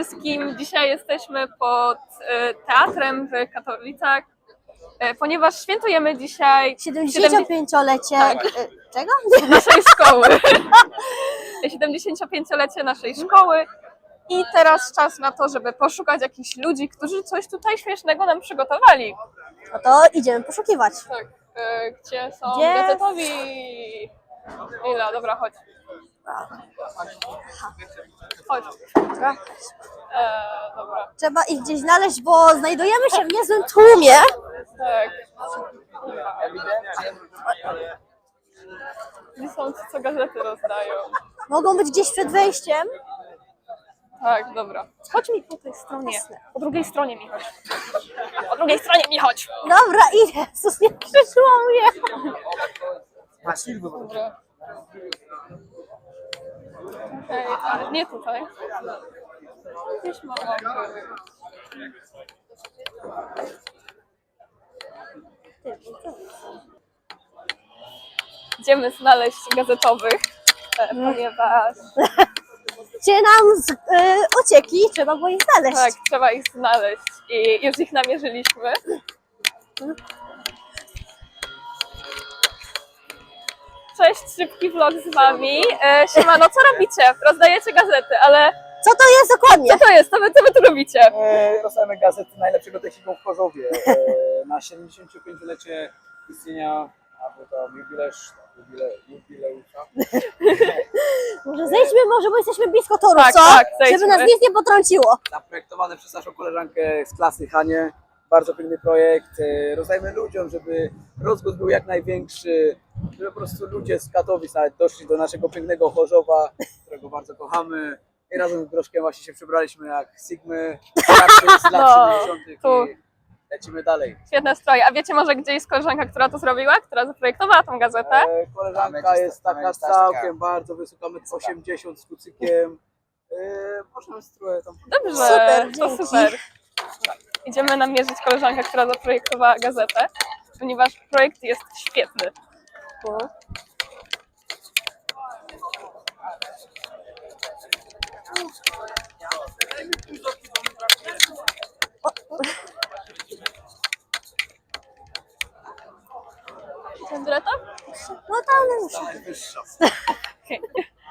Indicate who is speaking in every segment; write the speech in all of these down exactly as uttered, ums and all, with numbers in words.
Speaker 1: wszystkim. Dzisiaj jesteśmy pod e, teatrem w Katowicach, e, ponieważ świętujemy dzisiaj
Speaker 2: siedemdziesięciopięciolecie
Speaker 1: Tak.
Speaker 2: e, czego?
Speaker 1: naszej szkoły. siedemdziesięciopięciolecie naszej szkoły. I teraz czas na to, żeby poszukać jakichś ludzi, którzy coś tutaj śmiesznego nam przygotowali.
Speaker 2: No to idziemy poszukiwać.
Speaker 1: Tak. E, gdzie są
Speaker 2: Gdzie?
Speaker 1: gazetowi? Ila, dobra, chodź. Chodź.
Speaker 2: Dobra.
Speaker 1: E, dobra.
Speaker 2: Trzeba ich gdzieś znaleźć, bo znajdujemy się w niezłym tłumie.
Speaker 1: Tak. Gdzie są ci, co gazety rozdają?
Speaker 2: Mogą być gdzieś przed wejściem.
Speaker 1: Tak, dobra. Chodź mi po tej stronie. Po drugiej stronie mi chodź. Po drugiej stronie mi chodź.
Speaker 2: Dobra, idę. Jezus, nie przyszło mnie.
Speaker 1: Dobra. Okej, ale nie tutaj. Gdzieś mogą być. Idziemy znaleźć gazetowych, e, ponieważ
Speaker 2: Gdzie nam z, y, uciekli, trzeba było ich znaleźć.
Speaker 1: tak, trzeba ich znaleźć i już ich namierzyliśmy. Cześć, szybki vlog z wami. E, siemano, co robicie? Rozdajecie gazety, ale
Speaker 2: Co to jest dokładnie?
Speaker 1: co to jest? Co wy, co wy tu robicie?
Speaker 3: E, rozdajemy gazety najlepszego technikum w Chorzowie e, na siedemdziesięciopięciolecie istnienia, albo tam jubileusz, jubile, jubileusza.
Speaker 2: Może zejdźmy może, bo jesteśmy blisko toru,
Speaker 1: Tak,
Speaker 2: co?
Speaker 1: tak, zejdźmy.
Speaker 2: Żeby nas nic nie potrąciło.
Speaker 3: Zaprojektowane przez naszą koleżankę z klasy Hanie. Bardzo piękny projekt. E, rozdajemy ludziom, żeby rozgłos był jak największy, żeby po prostu ludzie z Katowic nawet doszli do naszego pięknego Chorzowa, którego bardzo kochamy. I razem z Groszkiem właśnie się przebraliśmy jak Sigmy z lat
Speaker 1: No,
Speaker 3: siedemdziesiątych
Speaker 1: tu.
Speaker 3: i lecimy dalej.
Speaker 1: Świetne stroje. A wiecie może, gdzie jest koleżanka, która to zrobiła? Która zaprojektowała tą gazetę?
Speaker 3: E, koleżanka jest taka całkiem bardzo wysoka, metr osiemdziesiąt z kucykiem. E, możemy strój tam.
Speaker 1: Dobrze,
Speaker 2: Super,
Speaker 1: to
Speaker 2: dzięki.
Speaker 1: super. Idziemy namierzyć koleżankę, która zaprojektowała gazetę, ponieważ projekt jest świetny. Andreta?
Speaker 2: No tam
Speaker 3: Najwyższa.
Speaker 1: Okay.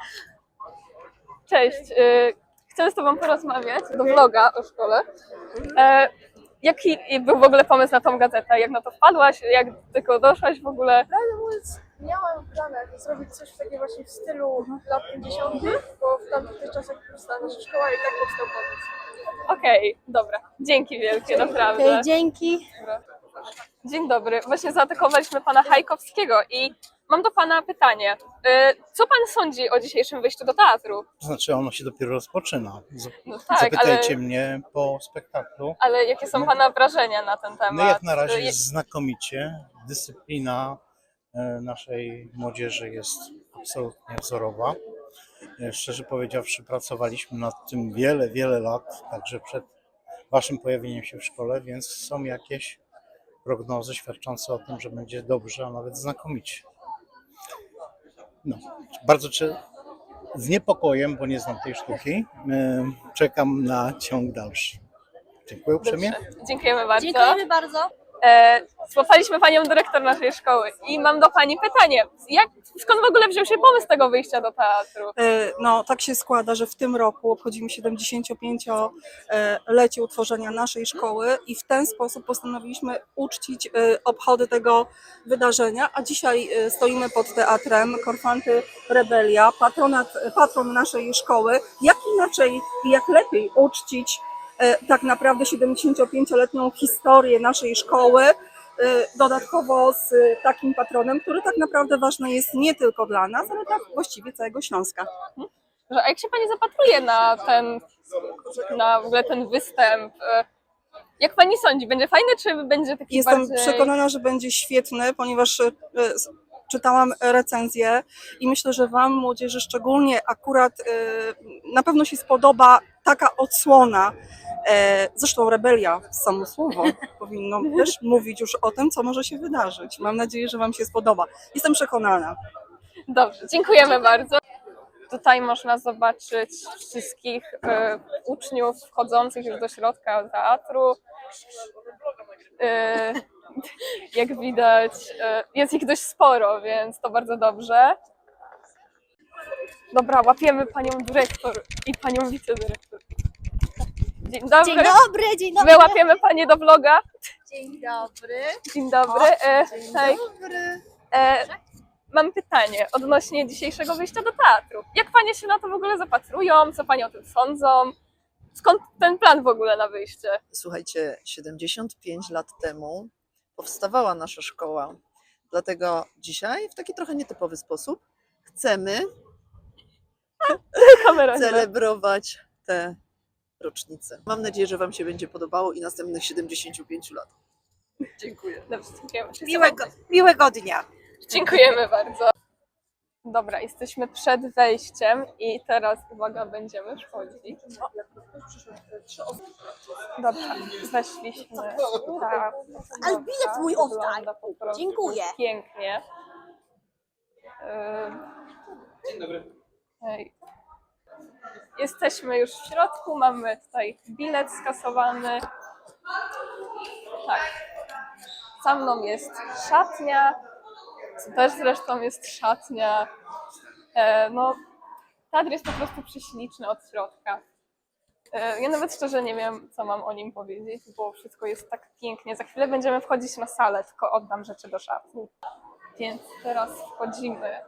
Speaker 1: Cześć, y, chcę z tobą porozmawiać do vloga o szkole. E, jaki był w ogóle pomysł na tą gazetę? Jak na to wpadłaś? Jak tylko doszłaś w ogóle?
Speaker 4: Prawdę mówiąc, miałam w planach zrobić coś takiego właśnie w stylu lat pięćdziesiątych, bo w tamtych czasach powstała nasza szkoła i tak powstał pomysł.
Speaker 1: Okej, dobra. Dzięki wielkie, naprawdę.
Speaker 2: Okej, dzięki.
Speaker 1: Dobra. Dzień dobry. Właśnie zaatakowaliśmy pana Hajkowskiego i mam do pana pytanie. Y, Co pan sądzi o dzisiejszym wyjściu do teatru?
Speaker 5: To znaczy ono się dopiero rozpoczyna. Z-
Speaker 1: No tak,
Speaker 5: Zapytajcie
Speaker 1: ale,
Speaker 5: mnie po spektaklu.
Speaker 1: ale jakie są pana wrażenia na ten temat?
Speaker 5: No jak na razie
Speaker 1: Y,
Speaker 5: jest znakomicie. Dyscyplina e, naszej młodzieży jest absolutnie wzorowa. E, Szczerze powiedziawszy, pracowaliśmy nad tym wiele, wiele lat, także przed waszym pojawieniem się w szkole, więc są jakieś prognozy świadczące o tym, że będzie dobrze, a nawet znakomicie. No, bardzo czy z niepokojem, bo nie znam tej sztuki, e, czekam na ciąg dalszy. Dziękuję uprzejmie.
Speaker 1: Dziękujemy bardzo.
Speaker 2: Dziękujemy bardzo.
Speaker 1: E, złapaliśmy panią dyrektor naszej szkoły i mam do pani pytanie. Jak, skąd w ogóle wziął się pomysł tego wyjścia do teatru?
Speaker 4: E, No, tak się składa, że w tym roku obchodzimy siedemdziesięciopięciolecie utworzenia naszej szkoły i w ten sposób postanowiliśmy uczcić e, obchody tego wydarzenia, a dzisiaj e, stoimy pod teatrem Korfanty Rebelia, patronat, patron naszej szkoły. Jak inaczej i jak lepiej uczcić e, tak naprawdę siedemdziesięciopięcioletnią historię naszej szkoły, e, dodatkowo z e, takim patronem, który tak naprawdę ważny jest nie tylko dla nas, ale tak właściwie całego Śląska.
Speaker 1: Że, a jak się pani zapatruje na ten, na w ogóle ten występ? E, Jak pani sądzi, będzie fajny, czy będzie taki
Speaker 4: Jestem
Speaker 1: bardziej...
Speaker 4: przekonana, że będzie świetny, ponieważ e, s- czytałam recenzję i myślę, że Wam, młodzieży, szczególnie akurat e, na pewno się spodoba taka odsłona. E, Zresztą Rebelia, samo słowo, powinno też mówić już o tym, co może się wydarzyć. Mam nadzieję, że Wam się spodoba. Jestem przekonana.
Speaker 1: Dobrze, dziękujemy bardzo. Tutaj można zobaczyć wszystkich e, uczniów wchodzących już do środka teatru. E, jak widać, e, jest ich dość sporo, więc to bardzo dobrze. Dobra, łapiemy panią dyrektor i panią wicedyrektor. Dzień dobry.
Speaker 2: Dzień dobry, dzień dobry.
Speaker 1: My łapiemy panie do vloga.
Speaker 2: Dzień dobry.
Speaker 1: Dzień dobry. E,
Speaker 2: Dzień
Speaker 1: hej.
Speaker 2: dobry.
Speaker 1: E, mam pytanie odnośnie dzisiejszego wyjścia do teatru. Jak panie się na to w ogóle zapatrują? Co panie o tym sądzą? Skąd ten plan w ogóle na wyjście?
Speaker 6: Słuchajcie, siedemdziesiąt pięć lat temu powstawała nasza szkoła. Dlatego dzisiaj w taki trochę nietypowy sposób chcemy
Speaker 1: Kamera. nie ma.
Speaker 6: celebrować tę rocznicę. Mam nadzieję, że Wam się będzie podobało i następnych siedemdziesiąt pięć lat. Dziękuję.
Speaker 1: Dobrze, dziękujemy.
Speaker 7: Miłego, miłego dnia.
Speaker 1: Dziękujemy bardzo. Dobra, jesteśmy przed wejściem i teraz, uwaga, będziemy wchodzić. Dobra, weszliśmy. Tak,
Speaker 2: Ale bilet mój oddaj.
Speaker 1: wygląda po prostu
Speaker 2: Dziękuję.
Speaker 1: pięknie. Dzień dobry. Hej. Jesteśmy już w środku, mamy tutaj bilet skasowany. Tak. Za mną jest szatnia, co też zresztą jest szatnia. E, no, teatr jest po prostu prześliczny od środka. E, ja nawet szczerze nie wiem, co mam o nim powiedzieć, bo wszystko jest tak pięknie. Za chwilę będziemy wchodzić na salę, tylko oddam rzeczy do szatni. Więc teraz wchodzimy.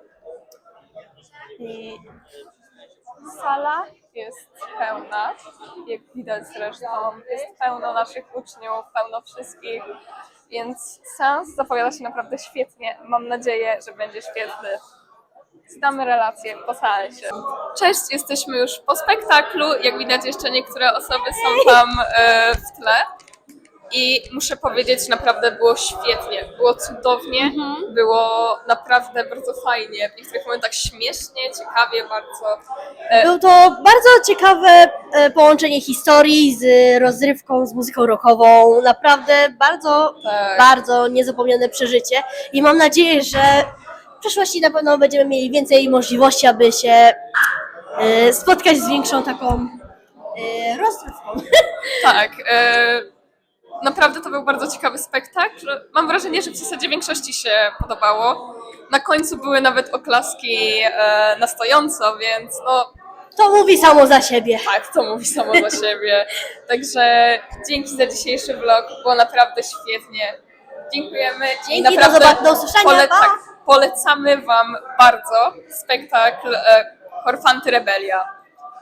Speaker 1: I sala jest pełna, jak widać zresztą. Jest pełno naszych uczniów, pełno wszystkich. Więc seans zapowiada się naprawdę świetnie. Mam nadzieję, że będzie świetny. Znamy relacje po seansie. Cześć, jesteśmy już po spektaklu. Jak widać, jeszcze niektóre osoby są tam e, w tle. I muszę powiedzieć, naprawdę było świetnie. Było cudownie, było naprawdę bardzo fajnie. W niektórych momentach śmiesznie, ciekawie bardzo. E,
Speaker 2: Było to bardzo ciekawe e, połączenie historii z rozrywką, z muzyką rockową. Naprawdę bardzo,
Speaker 1: Tak.
Speaker 2: bardzo niezapomniane przeżycie. I mam nadzieję, że w przyszłości na pewno będziemy mieli więcej możliwości, aby się e, spotkać z większą taką e, rozrywką.
Speaker 1: Tak. E, naprawdę to był bardzo ciekawy spektakl. Mam wrażenie, że w zasadzie większości się podobało. Na końcu były nawet oklaski e, na stojąco, więc no
Speaker 2: To mówi samo za siebie.
Speaker 1: tak, to mówi samo za siebie. Także dzięki za dzisiejszy vlog, było naprawdę świetnie. Dziękujemy i
Speaker 2: Dzięki, do
Speaker 1: naprawdę
Speaker 2: zobaczenia, do usłyszenia,
Speaker 1: pole-
Speaker 2: pa!
Speaker 1: tak, polecamy Wam bardzo spektakl e, Korfanty Rebelia.